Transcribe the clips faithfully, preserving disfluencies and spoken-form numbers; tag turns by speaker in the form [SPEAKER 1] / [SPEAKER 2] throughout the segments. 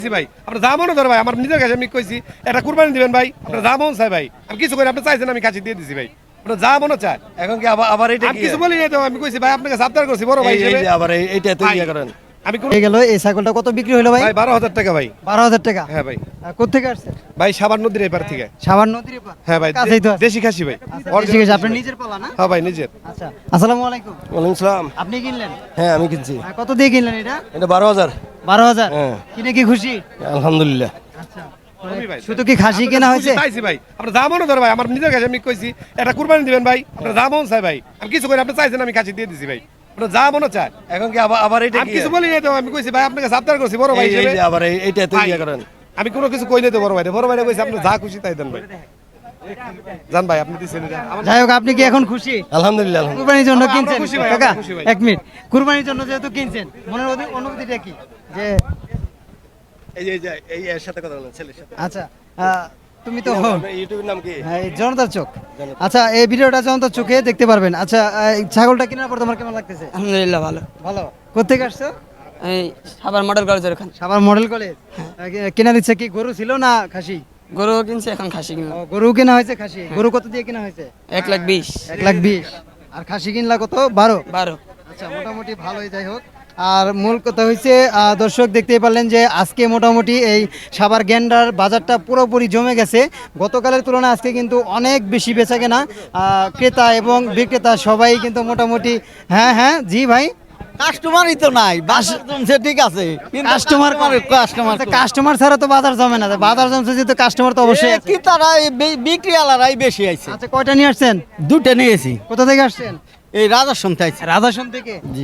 [SPEAKER 1] ভাই আপনার যা মনে ধরে ভাই আমার নিজের কাছে আমি কইছি এটা কুরবানি দিবেন ভাই আপনার যা মন চাই ভাই আমি কিছু করে আপনি চাইছেন আমি কাছে দিয়ে দিছি ভাই আপনার যা মনে চায়
[SPEAKER 2] এখন কি আবার আবার এটা
[SPEAKER 1] আমি কিছু বলি নাই তো আমি কইছি ভাই আপনাকে সাবধান করছি বড় ভাই
[SPEAKER 2] এই
[SPEAKER 1] হিসেবে
[SPEAKER 2] যে আবার এই- এইটা তো ইয়া করেন
[SPEAKER 1] আমি কোন
[SPEAKER 3] হয়ে গেল এই ছাগলটা কত বিক্রি হলো ভাই?
[SPEAKER 1] ভাই বারো হাজার টাকা ভাই
[SPEAKER 3] বারো হাজার টাকা।
[SPEAKER 1] হ্যাঁ ভাই
[SPEAKER 3] আহ, কোত্থেকে আসছে?
[SPEAKER 1] ভাই সাবান নদীর এপার থেকে
[SPEAKER 3] সাভার নদীর এপার?
[SPEAKER 1] হ্যাঁ ভাই
[SPEAKER 3] কাছেই তো আছে।
[SPEAKER 1] দেশি খাসি ভাই
[SPEAKER 3] আচ্ছা, ঠিক আছে, আপনার নিজের পালা না?
[SPEAKER 1] হ্যাঁ ভাই নিজের
[SPEAKER 3] আচ্ছা, আসসালামু আলাইকুম।
[SPEAKER 2] ওয়ালাইকুম সালাম।
[SPEAKER 3] আপনি কিনলেন?
[SPEAKER 2] হ্যাঁ আমি কিনছি
[SPEAKER 3] আহ, কত দিয়ে কিনলেন এটা?
[SPEAKER 2] এটা বারো হাজার।
[SPEAKER 3] বারো হাজার।
[SPEAKER 2] হ্যাঁ।
[SPEAKER 3] কিনে কি খুশি?
[SPEAKER 2] আলহামদুলিল্লাহ।
[SPEAKER 3] আচ্ছা,
[SPEAKER 1] আমি ভাই
[SPEAKER 3] শুধু কি খাসি কেনা হয়েছে?
[SPEAKER 1] চাইছি ভাই আপনার যা মনে ধরে ভাই আমার নিজের কাছে আমি কইছি এটা কুরবানি দিবেন ভাই আপনার যা মন চাই ভাই আমি কিছু করে আপনি চাইছেন আমি কাছে দিয়ে দিছি ভাই আপনার যা মনে চায়
[SPEAKER 2] এখন কি আবার আবার এটা
[SPEAKER 1] আমি
[SPEAKER 2] কি
[SPEAKER 1] কিছু বলি নাই তো আমি কইছি ভাই আপনাকে সাবধান করছি বড় ভাই
[SPEAKER 2] এই- এই
[SPEAKER 1] হিসেবে
[SPEAKER 2] যে আবার এই- এইটা তো
[SPEAKER 1] ভাই,
[SPEAKER 2] ইয়া করেন
[SPEAKER 1] আমি কোনো কিছু কই নাই তো বড় ভাই বড় ভাই কইছি আপনি যা খুশি তাই দেন ভাই জান ভাই আপনি দিছেন এটা আমার
[SPEAKER 3] যাই হোক, আপনি কি এখন খুশি?
[SPEAKER 2] আলহামদুলিল্লাহ আলহামদুলিল্লাহ।
[SPEAKER 3] কুরবানির জন্য
[SPEAKER 1] আমরা- আমরা
[SPEAKER 3] কিনছেন?
[SPEAKER 1] খুশি ভাই,
[SPEAKER 3] কাকা,
[SPEAKER 1] আমরা খুশি ভাই।
[SPEAKER 3] এক মিনিট। কুরবানির জন্য যেহেতু কিনছেন, মনের অনু- অনুভূতিটা কি? যে
[SPEAKER 2] এই যে এই যে এই এর সাথে কথা বলেন ছেলের সাথে।
[SPEAKER 3] আচ্ছা, আহ, তুমি তো
[SPEAKER 2] আপনার ইউটিউবের নাম কি?
[SPEAKER 3] হ্যাঁ, এই জনতার চোখ। আচ্ছা, এই ভিডিওটা জনতার চোখে দেখতে পারবেন। আচ্ছা, এই ছাগলটা কেনার পর তোমার কেমন লাগতেছে?
[SPEAKER 4] আলহামদুলিল্লাহ ভালো।
[SPEAKER 3] ভালো। কোথেকে আসছো?
[SPEAKER 4] এই সাভার মডেল কলেজের ওখানে
[SPEAKER 3] সাভার মডেল কলেজ। কেনার ইচ্ছা কি গরু ছিল না খাসি?
[SPEAKER 4] গরু কিনছে, এখন খাসি
[SPEAKER 3] ও,
[SPEAKER 4] কিনলাম
[SPEAKER 3] গরু কেনা হয়েছে, খাসি। গরু কত দিয়ে কেনা হয়েছে?
[SPEAKER 4] এক লাখ বিশ।
[SPEAKER 3] এক লাখ বিশ। আর খাসি কিনলা কত? বারো।
[SPEAKER 4] বারো।
[SPEAKER 3] আচ্ছা, মোটামুটি ভালোই। যাই হোক, আর মূল কথা হয়েছে, আহ, দর্শক দেখতেই পারলেন যে আজকে মোটামুটি এই সাভার গেন্ডার বাজারটা পুরোপুরি জমে গেছে। গতকালের তুলনায় আজকে কিন্তু অনেক বেশি বেচা কেনা। আহ, ক্রেতা এবং বিক্রেতা সবাই কিন্তু মোটামুটি। হ্যাঁ হ্যাঁ, জি ভাই।
[SPEAKER 5] কাস্টমারই তো নাই, বাজার জমছে ঠিক আছে,
[SPEAKER 3] কাস্টমার
[SPEAKER 5] কাস্টমার
[SPEAKER 3] কাস্টমার ছাড়া তো বাজার জমে না। বাজার জমছে যেহেতু কাস্টমার তো অবশ্যই আছে।
[SPEAKER 5] কি তারা এই বি- বিক্রি আলারাই বেশি আইছে।
[SPEAKER 3] আচ্ছা, কয়টা নিয়ে আসছেন?
[SPEAKER 5] দুটো নিয়েছি,
[SPEAKER 3] কোথা থেকে আসছেন?
[SPEAKER 5] এই রাজার সন্ধ্যা আইছে।
[SPEAKER 3] রাধাসন থেকে।
[SPEAKER 5] জি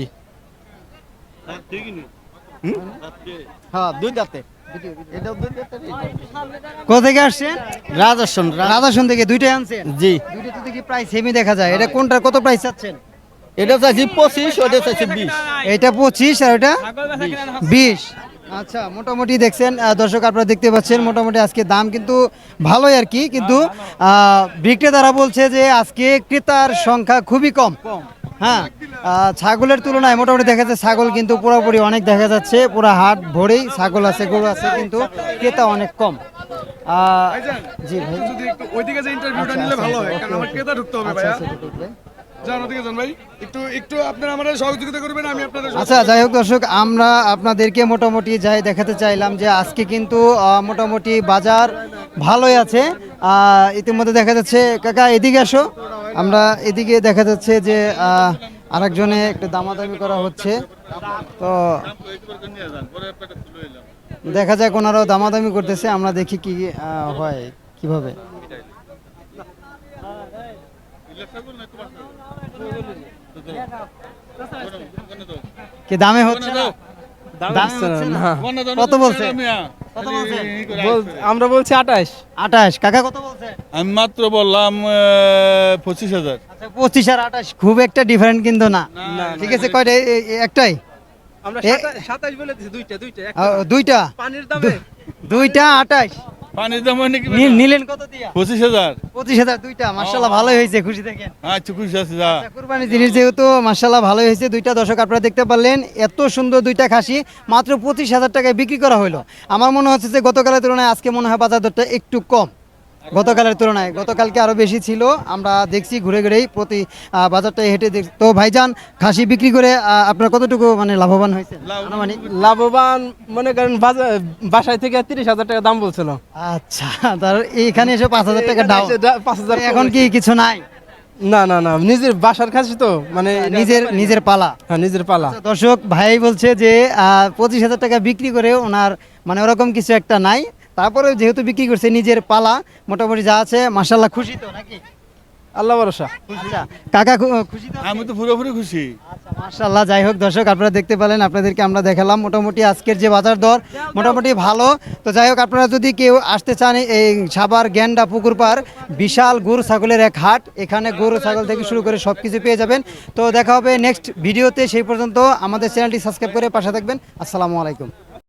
[SPEAKER 5] হ্যাঁ, দুই দাঁতে। এটাও দুই দাঁতে, এটাও।
[SPEAKER 3] কোথা থেকে আসছেন?
[SPEAKER 5] রাজার সন্ধ্যা।
[SPEAKER 3] রাধাসন থেকে দুইটাই আনছেন?
[SPEAKER 5] জি,
[SPEAKER 3] দুইটা তো দেখি প্রাইস সেমই দেখা যায়। এটা কোনটা কত প্রাইস চাচ্ছেন?
[SPEAKER 5] এটা চাইছি পঁচিশ, ওটা চাইছি বিশ।
[SPEAKER 3] এটা পঁচিশ আর ওটা বিশ। আচ্ছা, মোটামুটি দেখছেন আহ, দর্শক, আপনারা দেখতে পাচ্ছেন মোটামুটি আজকে দাম কিন্তু ভালোই আর কি, কিন্তু আহ, বিক্রেতারা বলছে যে আজকে ক্রেতার সংখ্যা খুবই কম। হ্যাঁ, আহ, ছাগলের তুলনায় মোটামুটি দেখা যাচ্ছে ছাগল কিন্তু পুরোপুরি অনেক দেখা যাচ্ছে, পুরো হাট ভরেই ছাগল আছে, গরু আছে, কিন্তু ক্রেতা অনেক কম। আহ, জি ভাই।
[SPEAKER 1] যদি একটু ওইদিকে যে ইন্টারভিউটা
[SPEAKER 3] আচ্ছা,
[SPEAKER 1] নিলে
[SPEAKER 3] আচ্ছা,
[SPEAKER 1] ভালো হয়
[SPEAKER 3] ওকে,
[SPEAKER 1] কারণ আমার
[SPEAKER 3] ওকে।
[SPEAKER 1] ক্রেতা ঢুকতে হবে
[SPEAKER 3] আচ্ছা,
[SPEAKER 1] ভাইয়া
[SPEAKER 3] আচ্ছা, ঠিক আছে।
[SPEAKER 1] জান ওদিকে যান ভাই একটু একটু আপনারা আমাদের সহযোগিতা করবেন আমি আপনাদের
[SPEAKER 3] আচ্ছা, যাই হোক দর্শক, আমরা আপনাদেরকে মোটামুটি যাই দেখাতে চাইলাম যে আজকে কিন্তু আহ, মোটামুটি বাজার ভালোই আছে। আহ, ইতিমধ্যে দেখা যাচ্ছে, কাকা এদিকে আসো, আমরা এদিকে দেখা যাচ্ছে যে আহ, আরেকজনে একটু দামাদামি করা হচ্ছে। তো দেখা যাক ওনারাও দামাদামি করতেছে, আমরা দেখি কি আহ, হয় কিভাবে। কি দামে হচ্ছে না? দামে হচ্ছে না? কত বলছে? কত বলছে?
[SPEAKER 6] আমরা বলছি আঠাশ।
[SPEAKER 3] আঠাশ। কাকা কত বলছে?
[SPEAKER 6] আমি মাত্র বললাম পঁচিশ হাজার।
[SPEAKER 3] আচ্ছা, পঁচিশ আর আঠাশ খুব একটা ডিফারেন্ট কিন্তু না। ঠিক আছে, কয়টা? এ- এ- একটাই?
[SPEAKER 6] আমরা
[SPEAKER 3] এ-
[SPEAKER 6] সাতাশ বলে দিছি, দুইটা দুইটা
[SPEAKER 3] আহ, দুইটা?
[SPEAKER 6] পানির দামে
[SPEAKER 3] দুইটা আঠাশ।
[SPEAKER 6] পানির দাম হয় নাকি
[SPEAKER 3] নি- নিলেন কত দিয়া?
[SPEAKER 6] পঁচিশ হাজার।
[SPEAKER 3] পঁচিশ হাজার দুইটা। মার্শাল্লাহ, ভালোই হয়েছে, খুশি থাকেন।
[SPEAKER 6] আচ্ছা খুশি আছে যা।
[SPEAKER 3] আচ্ছা, কুরবানি জিনিস যেহেতু মার্শাল্লাহ ভালোই হয়েছে। দুইটা দর্শক আপনারা দেখতে পারলেন, এত সুন্দর দুইটা খাসি মাত্র পঁচিশ হাজার টাকায় বিক্রি করা হলো। আমার মনে হচ্ছে যে গতকালের তুলনায় আজকে মনে হয় বাজার দরটা একটু কম। গতকালের তুলনায় গতকালকে আরো বেশি ছিল, আমরা দেখছি ঘুরে ঘুরেই প্রতি আহ, বাজারটায় হেঁটে দেখছি। তো ভাইজান, খাসি বিক্রি করে আহ, আপনার কতটুকু মানে লাভবান হয়েছে আনুমানিক?
[SPEAKER 7] লাভবান মনে করেন বাজার বাসায় থেকে তিরিশ হাজার টাকা দাম বলছিল,
[SPEAKER 3] আচ্ছা, তার এইখানে এসে পাঁচ হাজার টাকা ডাউন।
[SPEAKER 7] পাঁচ হাজার
[SPEAKER 3] এখন কি কিছু নাই?
[SPEAKER 7] না না না নিজের বাসার খাসি তো মানে
[SPEAKER 3] নিজের নিজের পালা।
[SPEAKER 7] হ্যাঁ নিজের পালা।
[SPEAKER 3] আচ্ছা, দর্শক ভাই বলছে যে আহ, পঁচিশ হাজার টাকা বিক্রি করে ওনার মানে ওরকম কিছু একটা নাই, তারপরে যেহেতু বিক্রি করছে নিজের পালা, মোটামুটি যা আছে মাশাআল্লাহ। খুশি তো নাকি?
[SPEAKER 7] আল্লাহ ভরসা।
[SPEAKER 3] আচ্ছা, কাকা খু- খুশি তো?
[SPEAKER 6] আমি তো পুরোপুরি খুশি।
[SPEAKER 3] আচ্ছা, মাশাআল্লাহ। যাই হোক দর্শক, আপনারা দেখতে পেলেন, আপনাদেরকে আমরা দেখালাম মোটামুটি আজকের যে বাজার দর মোটামুটি ভালো। তো যাই হোক, আপনারা যদি কেউ আসতে চান এই সাভার গেন্ডা পুকুর পাড়, বিশাল গরু ছাগলের এক হাট, এখানে গরু ছাগল থেকে শুরু করে সব কিছু পেয়ে যাবেন। তো দেখা হবে নেক্সট ভিডিওতে, সেই পর্যন্ত আমাদের চ্যানেলটি সাবস্ক্রাইব করে পাশে থাকবেন। আসসালামু আলাইকুম।